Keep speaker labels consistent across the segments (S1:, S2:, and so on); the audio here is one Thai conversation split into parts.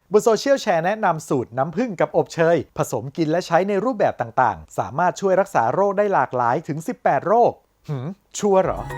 S1: บนโซเชียลแชร์แนะนำสูตรน้ำผึ้งกับอบเชยผสมกินและใช้ในรูปแบบต่างๆสามารถช่วยรักษาโรคได้หลากหลายถึง18โรคชัวร์เหรอ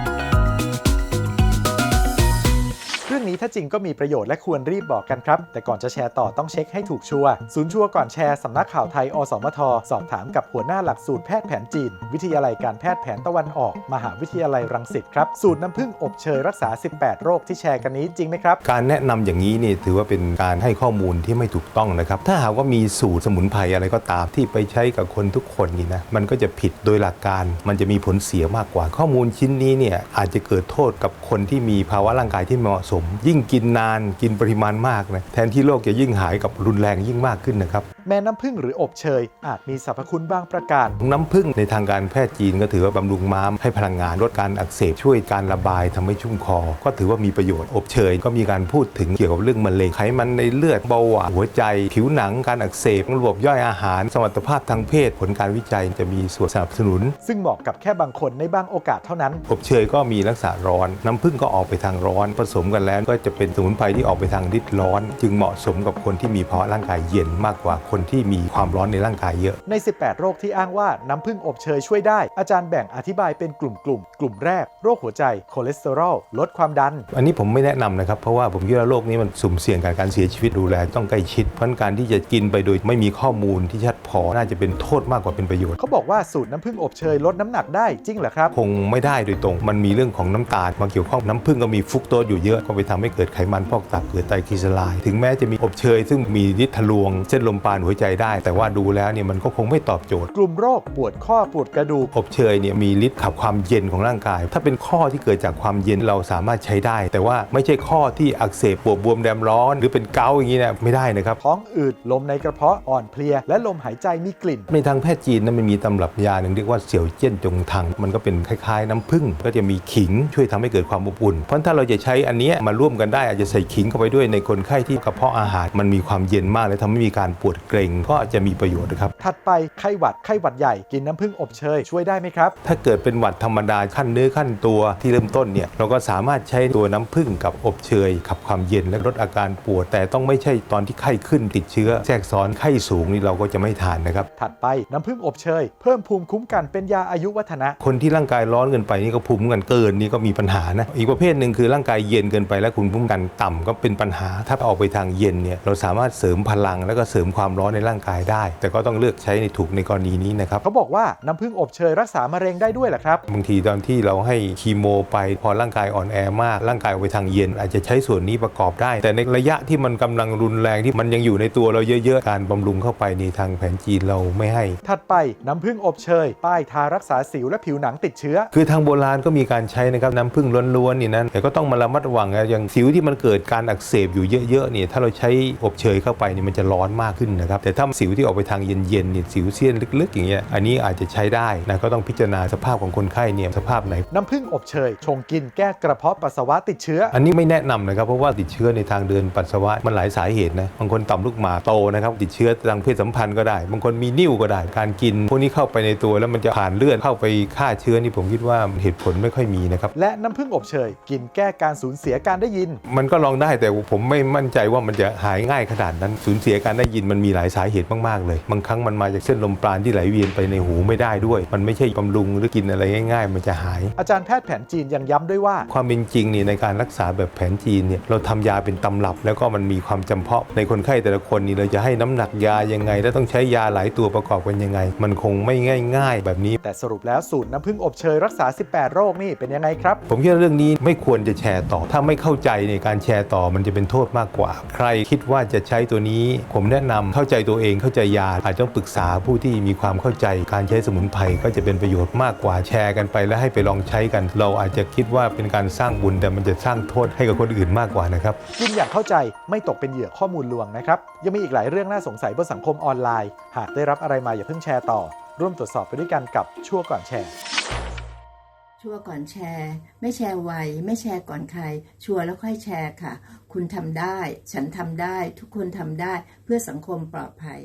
S1: เรื่องนี้ถ้าจริงก็มีประโยชน์และควรรีบบอกกันครับแต่ก่อนจะแชร์ต่อต้องเช็คให้ถูกชัวร์ศูนย์ชัวร์ก่อนแชร์สำนักข่าวไทยอสมทสอบถามกับหัวหน้าหลักสูตรแพทย์แผนจีนวิทยาลัยการแพทย์แผนตะวันออกมหาวิทยาลัยรังสิตครับสูตรน้ำผึ้งอบเชยรักษา18โรคที่แชร์กันนี้จริงไหมครับ
S2: การแนะนำอย่างนี้นี่ถือว่าเป็นการให้ข้อมูลที่ไม่ถูกต้องนะครับถ้าหากว่ามีสูตรสมุนไพรอะไรก็ตามที่ไปใช้กับคนทุกคนนี่นะมันก็จะผิดโดยหลักการมันจะมีผลเสียมากกว่าข้อมูลชิ้นนี้เนี่ยอาจจะเกิดโทษกับคนที่มีภาวะร่างกายที่เหมาะสมยิ่งกินนานกินปริมาณมากนะแทนที่โรคจะยิ่งหายกับรุนแรงยิ่งมากขึ้นนะครับ
S1: แม้น้ำผึ้งหรืออบเชยอาจมีสรรพคุณบางประการ
S2: น้ำผึ้งในทางการแพทย์จีนก็ถือว่าบำรุงม้ามให้พลังงานลดการอักเสบช่วยการระบายทำให้ชุ่มคอก็ถือว่ามีประโยชน์อบเชยก็มีการพูดถึงเกี่ยวกับเรื่องมะเร็งไขมันในเลือดเบาหวานหัวใจผิวหนังการอักเสบระบบย่อยอาหารสมรรถภาพทางเพศผลการวิจัยจะมีส่วนสนับสนุน
S1: ซึ่งเหมาะกับแค่บางคนในบางโอกาสเท่านั้น
S2: อบเชยก็มีลักษณะร้อนน้ำผึ้งก็ออกไปทางร้อนผสมกันแล้วก็จะเป็นสมุนไพรที่ออกไปทางฤทธิ์ร้อนจึงเหมาะสมกับคนที่มีภาวะร่างกายเย็นมากกว่าคนที่มีความร้อนในร่างกายเยอะ
S1: ใน18โรคที่อ้างว่าน้ำผึ้งอบเชยช่วยได้อาจารย์แบ่งอธิบายเป็นกลุ่มแรกโรคหัวใจคอเลสเตอรอลลดความดัน
S2: อันนี้ผมไม่แนะนำนะครับเพราะว่าผมคิดว่าโรคนี้มันสุ่มเสี่ยงกับการเสียชีวิตดูแลต้องใกล้ชิดเพราะการที่จะกินไปโดยไม่มีข้อมูลที่ชัดพอน่าจะเป็นโทษมากกว่าเป็นประโยชน์
S1: เขาบอกว่าสูตรน้ำผึ้งอบเชยลดน้ำหนักได้จริงเหรอครับ
S2: คงไม่ได้โดยตรงมันมีเรื่องของน้ำตาลมาเกี่ยวข้องน้ำผึ้งก็มีฟรุกโตสอยู่เยอะก็ไปทำให้เกิดไขมันพอกตับเกิดไตรกลีเซอไรด์ถึงแม้จะมีอบเชยซึ่งมีฤทธิ์ทะลวงเส้นลมปราณหัวใจได้แต่ว่าดูแล้วเนี่ยมันก็คงไม่ตอบโจทย์
S1: กลุ่มโรคปวดข้อปวดกระดูก
S2: อบเชยเนี่ยมีฤทธิ์ขับความเย็นของร่างกายถ้าเป็นข้อที่เกิดจากความเย็นเราสามารถใช้ได้แต่ว่าไม่ใช่ข้อที่อักเสบปวดบวมแดมร้อนหรือเป็นเกาต์อย่างนี้นะไม่ได้นะครับ
S1: ท้องอืดลมในกระเพาะอ่อนเพลียและลมหายใจมีกลิ่น
S2: ในทางแพทย์จีนนั้นมันมีตำรับยาหนึ่งเรียกว่าเสี่ยวเจี้ยนจงทังมันก็เป็นคล้ายๆน้ำผึ้งก็จะมีขิงช่วยทำให้เกิดความอบอุ่นเพราะถ้าเราจะใช้อันนี้มาร่วมกันได้อาจจะใส่ขิงเข้าไปด้วยในคนไข้ที่กระเพาะอาหารมันมีความเย็นมากและทำให้มีการปวดเกร็งก็จะมีประโยชน์นะครับ
S1: ถัดไปไข้หวัดใหญ่กินน้ำผึ้งอบเชยช่วยได้ไหมครับ
S2: ถ้าเกิดเป็นหวัดธรรมดาขั้นเนื้อขั้นตัวที่เริ่มต้นเนี่ยเราก็สามารถใช้ตัวน้ำผึ้งกับอบเชยขับความเย็นและลดอาการปวดแต่ต้องไม่ใช่ตอนที่ไข้ขึ้นติดเชื้อแทรกซ้อนไข้สูงนี่เราก็จะไม่ทานนะครับ
S1: ถัดไปน้ำผึ้งอบเชยเพิ่มภูมิคุ้มกันเป็นยาอายุวัฒนะ
S2: คนที่ร่างกายร้อนเกินไปนี่ก็ภูมิคุ้มกันเกินนี่ก็มีปัญหานะอีกประเภทหนึ่งคือร่างกายเย็นเกินไปและภูมิคุ้มกันต่ำก็เป็นปัญหาถ้าออกไปทางเย็นเนี่ยเราสามารถเสริมพลังแล้วก็เสริมความร้อนในร่างกายได้แต่ก็ต้องเลือกใช้ในถูกในกรณีนี้นะครับ
S1: เขาบอกว่าน้ำผึ้งอบเชยรักษามะเร็งได้ด้วยเหรอครับ
S2: บางทีตอนที่เราให้คีโมไปพอร่างกายอ่อนแอมากร่างกายออกไปทางเย็นอาจจะใช้ส่วนนี้ประกอบได้แต่ในระยะที่มันกำลังรุนแรงที่มันยังอยู่ในตัวเราเยอะๆการบำรุงเข้าไปในทางแผนจีนเราไม่ให้
S1: ถัดไปน้ำผึ้งอบเชยป้ายทารักษาสิวและผิวหนังติดเชื้อ
S2: คือทางโบราณก็มีการใช้นะครับน้ำผึ้งล้วนๆนี่นะแต่ก็ต้องมาระมัดระวังนะอย่างสิวที่มันเกิดการอักเสบอยู่เยอะๆเนี่ยถ้าเราใช้อบเชยเข้าไปนี่มันจะร้อนมากขึ้นนะครับแต่ถ้าสิวที่ออกไปทางเย็นๆเนี่ยสิวเสี้ยนลึกๆอย่างเงี้ยอันนี้อาจจะใช้ได้นะก็ต้องพิจารณาสภาพของคนไข้เนี่ยสภาพไหน
S1: น้ำผึ้งอบเชยชงกินแก้กระเพาะปัสสาวะติดเชื้อ
S2: อันนี้ไม่แนะนำนะครับเพราะว่าติดเชื้อในทางเดินปัสสาวะมันหลายสาเหตุนะบางคนต่อมลูกหมากโตนะครับติดเชื้อทางเพศสัมพันธ์ก็ได้บางคนมีนิ่วก็ได้การกินพวกนี้เข้าไปในตัวแล้วมันจะผ่านเลือดเข้าไปฆ่าเชื้อนี่ผมคิดว่าเหตุผลไม่ค่อยมีนะครับ
S1: และน้ำผึ้งอบเชยกินแก้การสูญเสียการได้ยิน
S2: มันก็ลองได้แต่ผมไม่มั่นใจว่ามันจะหายง่ายขนาดนั้นสูญเสียการได้ยินมันมีหลายสาเหตุมากๆเลยบางครั้งมันมาจากเส้นลมปราณที่ไหลเวียนไปในหูไม่ได้ด้วยมันไม่ใช่บำรุงหรือกินอะไรง่ายๆมันจะหาย
S1: อาจารย์แพทย์แผนจีนยังย้ำด้วยว่า
S2: ความเป็นจริงนี่ในการรักษาแบบแผนจีนเนี่ยเราทำยาเป็นตำรับแล้วก็มันมีความจำเพาะในคนไข้แต่ละคนนี่เราจะให้น้ำหนักยายังไงและต้องใช้ยาหลายตัวประกอบกันยังไงมันคงไม่ง่ายๆแบบนี้
S1: แต่สรุปแล้วสูตรน้ำผึ้งอบเชยรักษา18โรคนี่เป็นยังไงครับ
S2: ผมคิดว่าเรื่องนี้ไม่ควรจะแชร์ต่อถ้าไม่เข้าใจในการแชร์ต่อมันจะเป็นโทษมากกว่าใครคิดว่าจะใช้ตัวนี้ผมแนะนำเข้าใจตัวเองเข้าใจยาอาจต้องปรึกษาผู้ที่มีความเข้าใจการใช้สมุนไพรก็จะเป็นประโยชน์มากกว่าแชร์กันไปแล้วให้ไปลองใช้กันเราอาจจะคิดว่าเป็นการสร้างบุญแต่มันจะสร้างโทษให้กับคนอื่นมากกว่านะครับ
S1: กินอย่างเข้าใจไม่ตกเป็นเหยื่อข้อมูลลวงนะครับยังมีอีกหลายเรื่องน่าสงสัยบนสังคมออนไลน์หากได้รับอะไรมาอย่าเพิ่งแชร์ต่อร่วมตรวจสอบไปด้วยกันกับชั่วก่อนแชร์
S3: ชัวร์ก่อนแชร์ไม่แชร์ไวไม่แชร์ก่อนใครชัวร์แล้วค่อยแชร์ค่ะคุณทำได้ฉันทำได้ทุกคนทำได้เพื่อสังคมปลอดภัย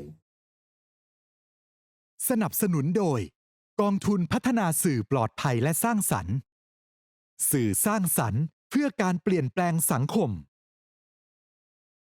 S4: สนับสนุนโดยกองทุนพัฒนาสื่อปลอดภัยและสร้างสรรค์สื่อสร้างสรรค์เพื่อการเปลี่ยนแปลงสังคม